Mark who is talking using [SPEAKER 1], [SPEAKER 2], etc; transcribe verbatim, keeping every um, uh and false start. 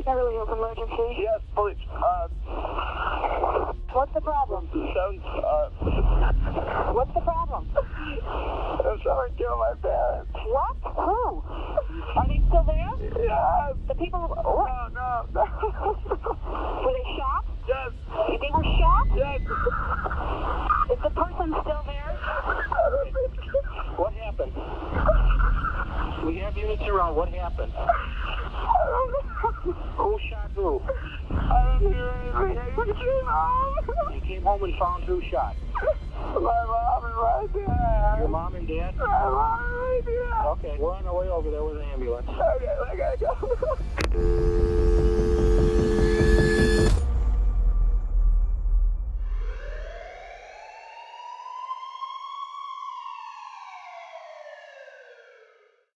[SPEAKER 1] Beverly Hills Emergency.
[SPEAKER 2] Yes, please. Uh,
[SPEAKER 1] What's the problem?
[SPEAKER 2] Sounds, uh,
[SPEAKER 1] What's the problem?
[SPEAKER 2] someone killed my parents.
[SPEAKER 1] What? Who? Are they still there?
[SPEAKER 2] Yes.
[SPEAKER 1] The people... What?
[SPEAKER 2] No, no, no.
[SPEAKER 1] Were they shot?
[SPEAKER 2] Yes.
[SPEAKER 1] They were shot?
[SPEAKER 2] Yes.
[SPEAKER 1] Is the person still there?
[SPEAKER 3] What happened? We have units around. What happened? Who shot who?
[SPEAKER 2] I don't hear anything. I came home.
[SPEAKER 3] You came home and found who shot?
[SPEAKER 2] My mom and my dad.
[SPEAKER 3] Your mom and dad?
[SPEAKER 2] My mom and my dad.
[SPEAKER 3] Okay, we're on our way over there with an ambulance.
[SPEAKER 2] Okay, I gotta go.